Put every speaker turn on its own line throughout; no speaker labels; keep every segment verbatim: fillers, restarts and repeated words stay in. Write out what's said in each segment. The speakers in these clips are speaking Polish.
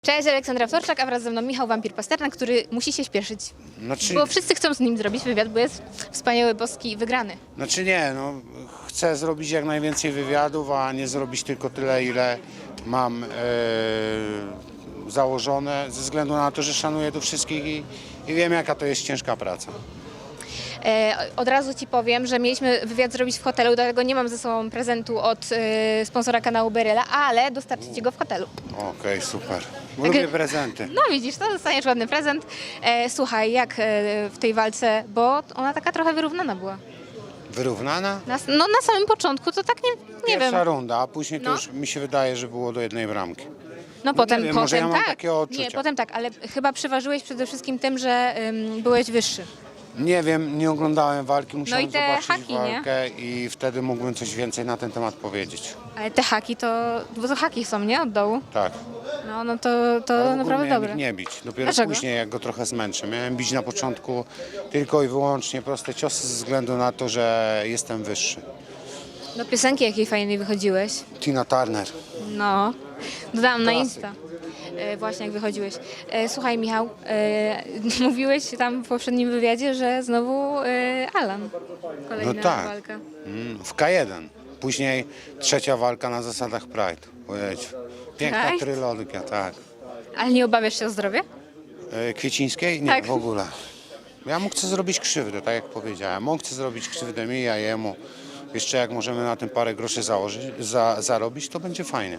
Cześć, Aleksandra Wtorczak, a wraz ze mną Michał Wampir-Pasternak, który musi się śpieszyć. Znaczy... Bo wszyscy chcą z nim zrobić wywiad, bo jest wspaniały, boski i wygrany.
Znaczy nie, no chcę zrobić jak najwięcej wywiadów, a nie zrobić tylko tyle, ile mam e, założone, ze względu na to, że szanuję tu wszystkich i, i wiem, jaka to jest ciężka praca.
E, od razu Ci powiem, że mieliśmy wywiad zrobić w hotelu, dlatego nie mam ze sobą prezentu od e, sponsora kanału Beryla, ale dostarczę Ci go w hotelu.
Okej, okay, super. Lubię prezenty.
No widzisz, to dostaniesz ładny prezent. E, słuchaj, jak e, w tej walce, bo ona taka trochę wyrównana była.
Wyrównana?
Na, no na samym początku to tak nie, nie
Pierwsza
wiem.
runda, a później to
No.
już mi się wydaje, że było do jednej bramki.
No potem,
nie wiem,
potem
może ja mam
tak.
takie odczucia.
Nie, potem tak, ale chyba przeważyłeś przede wszystkim tym, że ym, byłeś wyższy.
Nie wiem, nie oglądałem walki, musiałem
No i te
zobaczyć
haki,
walkę i wtedy mógłbym coś więcej na ten temat powiedzieć.
Ale te haki to, bo to haki są, nie? Od dołu.
Tak.
No, no to, to
Ale w ogóle
naprawdę
miałem
dobre.
ich nie bić. Dopiero
Dlaczego?
później, jak go trochę zmęczę. Miałem bić na początku tylko i wyłącznie proste ciosy ze względu na to, że jestem wyższy.
Do piosenki jakiej fajnej wychodziłeś.
Tina Turner.
No, dodałam na
Klasyk.
Insta. E, właśnie jak wychodziłeś. E, słuchaj Michał, e, mówiłeś tam w poprzednim wywiadzie, że znowu e, Alan. Kolejna
No tak.
walka.
Mm, w K jeden. Później trzecia walka na zasadach Pride. Powiedz. Piękna
Pride?
trylogia, tak.
Ale nie obawiasz się o zdrowie?
E, Kwiecińskiej? Nie,
Tak.
w ogóle. Ja mu chcę zrobić krzywdę, tak jak powiedziałem. On chce zrobić krzywdę mi, ja jemu. Jeszcze jak możemy na tym parę groszy założyć, za, zarobić, to będzie fajnie.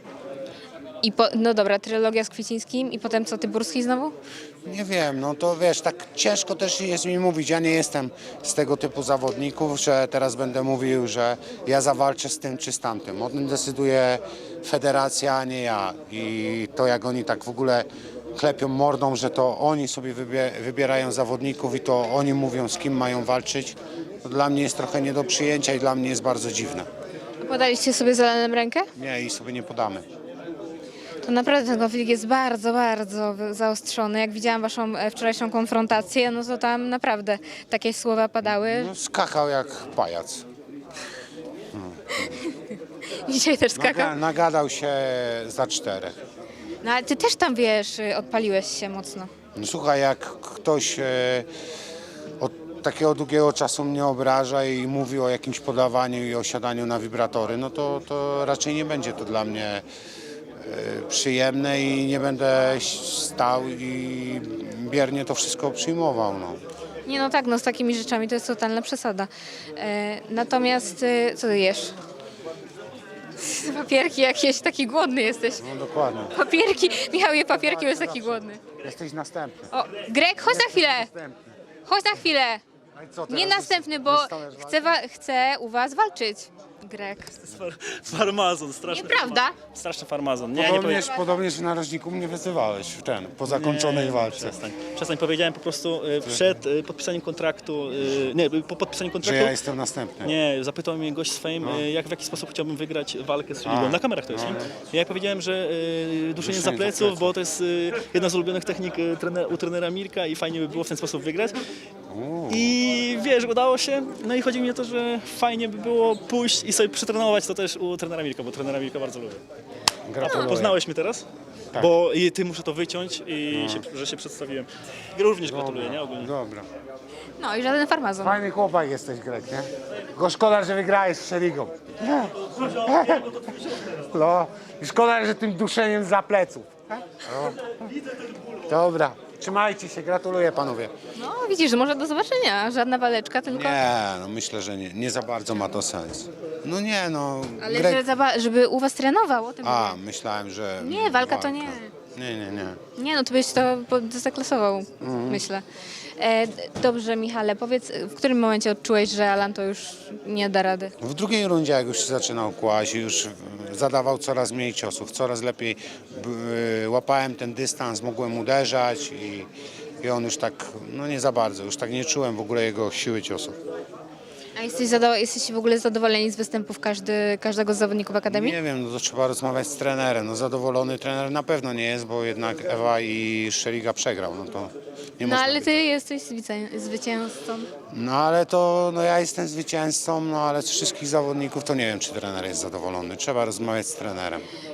I po, no dobra, trylogia z Kwiecińskim i potem co, Tyburski znowu?
Nie wiem, no to wiesz, tak ciężko też jest mi mówić. Ja nie jestem z tego typu zawodników, że teraz będę mówił, że ja zawalczę z tym czy z tamtym. O tym decyduje federacja, a nie ja. I to jak oni tak w ogóle klepią mordą, że to oni sobie wybie- wybierają zawodników i to oni mówią, z kim mają walczyć, to dla mnie jest trochę nie do przyjęcia i dla mnie jest bardzo dziwne.
Podaliście sobie z Alanem rękę?
Nie, i sobie nie podamy.
To naprawdę ten konflikt jest bardzo, bardzo zaostrzony. Jak widziałam waszą e, wczorajszą konfrontację, no to tam naprawdę takie słowa padały.
No, skakał jak pajac.
Dzisiaj też skakał.
Naga- nagadał się za czterech.
No ale ty też tam, wiesz, y, odpaliłeś się mocno.
No, słuchaj, jak ktoś e, od takiego długiego czasu mnie obraża i mówi o jakimś podawaniu i osiadaniu na wibratory, no to, to raczej nie będzie to dla mnie e, przyjemne i nie będę stał i biernie to wszystko przyjmował. No.
Nie no tak, no z takimi rzeczami to jest totalna przesada. E, natomiast, y, co ty jesz? Papierki jakieś, taki głodny jesteś.
No dokładnie.
Papierki, Michał je papierki, bo jest taki głodny.
Jesteś następny.
O, Greg, chodź na chwilę,
Następny.
chodź na chwilę.
No i co,
Nie
teraz
następny, bo
wystąpisz
chcę, wa- chcę u was walczyć. Greg.
Far, farmazon, straszny.
Nieprawda?
Far, straszny farmazon. Nie, nie
Podobnież,
powiedziałem.
podobnież w narożniku mnie wyzywałeś w ten, po zakończonej walce.
Przestań. Przestań, powiedziałem po prostu y, przed y, podpisaniem kontraktu, y, nie, po podpisaniu
Że
kontraktu,
ja jestem następny.
nie, zapytał mnie gość swoim, y, jak, w jaki sposób chciałbym wygrać walkę z Szeligą. Na kamerach to jest, nie? Ja powiedziałem, że y, duszenie za
za
pleców,
pleców.
bo to jest y, jedna z ulubionych technik y, trener, u trenera Mirka i fajnie by było w ten sposób wygrać. I wiesz, udało się. No i chodzi mi o to, że fajnie by było pójść i sobie przetrenować to też u trenera Mirka, bo trenera Mirka bardzo lubię.
Gratuluję.
Poznałeś mnie teraz?
Tak.
Bo i ty muszę to wyciąć i się, że się przedstawiłem. Również gratuluję, nie? Ogólnie.
Dobra.
No i żaden farmazon.
Fajny chłopak jesteś, Greg, nie? Go szkoda, że wygrałeś z Szeligą. No, i szkoda, że tym duszeniem za pleców. No. Dobra, trzymajcie się, gratuluję panowie.
No widzisz, może do zobaczenia. Żadna waleczka, tylko...
Nie, no myślę, że nie, nie za bardzo ma to sens. No nie, no,
Ale
Greg...
że zaba- żeby u was trenował, o tym
A,
mówię.
myślałem, że...
Nie, walka to nie.
Nie, nie, nie.
Nie, no to byś to po- zaklasował, myślę. E, d- dobrze, Michale, powiedz, w którym momencie odczułeś, że Alan to już nie da rady?
W drugiej rundzie, jak już się zaczynał kłaść, już zadawał coraz mniej ciosów, coraz lepiej b- łapałem ten dystans, mogłem uderzać i, i on już tak, no nie za bardzo, już tak nie czułem w ogóle jego siły ciosów.
A jesteś zado- jesteście w ogóle zadowoleni z występów każdy, każdego z zawodników Akademii?
Nie wiem, no to trzeba rozmawiać z trenerem. No zadowolony trener na pewno nie jest, bo jednak Ewa i Szeliga przegrał, no to nie
No
można
ale
być.
ty jesteś zwycię- zwycięzcą.
No ale to, no ja jestem zwycięzcą, no ale z wszystkich zawodników to nie wiem, czy trener jest zadowolony. Trzeba rozmawiać z trenerem.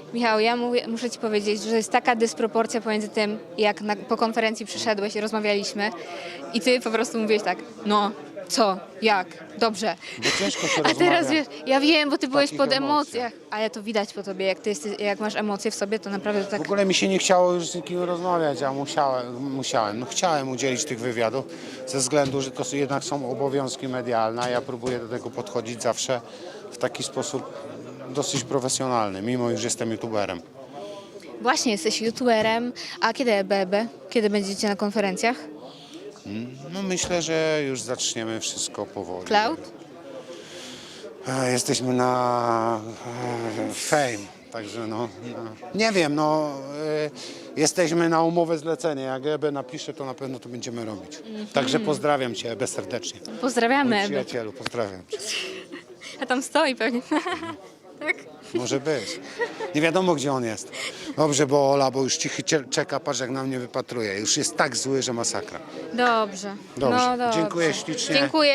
Michał, ja mówię, muszę Ci powiedzieć, że jest taka dysproporcja pomiędzy tym, jak na, po konferencji przyszedłeś i rozmawialiśmy i Ty po prostu mówiłeś tak, no, co, jak, dobrze.
Bo ciężko się
A teraz
rozmawia.
wiesz, ja wiem, bo Ty byłeś
takich
pod
emocjach.
emocjach, ale to widać po Tobie, jak Ty jesteś, jak masz emocje w sobie, to naprawdę to tak...
W ogóle mi się nie chciało już z nikim rozmawiać, a musiałem, musiałem. No, chciałem udzielić tych wywiadów ze względu, że to są- jednak są obowiązki medialne, a ja próbuję do tego podchodzić zawsze w taki sposób dosyć profesjonalny, mimo iż jestem youtuberem.
Właśnie, jesteś youtuberem, a kiedy E B B? Kiedy będziecie na konferencjach?
No myślę, że już zaczniemy wszystko powoli.
Cloud?
E, Jesteśmy na e, Fame, także no, no nie wiem, no e, jesteśmy na umowę zlecenie. Jak E B napisze, to na pewno to będziemy robić. Także pozdrawiam Cię, E B, serdecznie.
Pozdrawiamy
Mój
E B.
przyjacielu, pozdrawiam Cię.
A tam stoi pewnie. Tak?
Może być. Nie wiadomo, gdzie on jest. Dobrze, bo Ola, bo już cichy cie- czeka, patrz jak na mnie wypatruje. Już jest tak zły, że masakra.
Dobrze.
Dobrze.
No, dobrze.
Dziękuję ślicznie.
Dziękuję.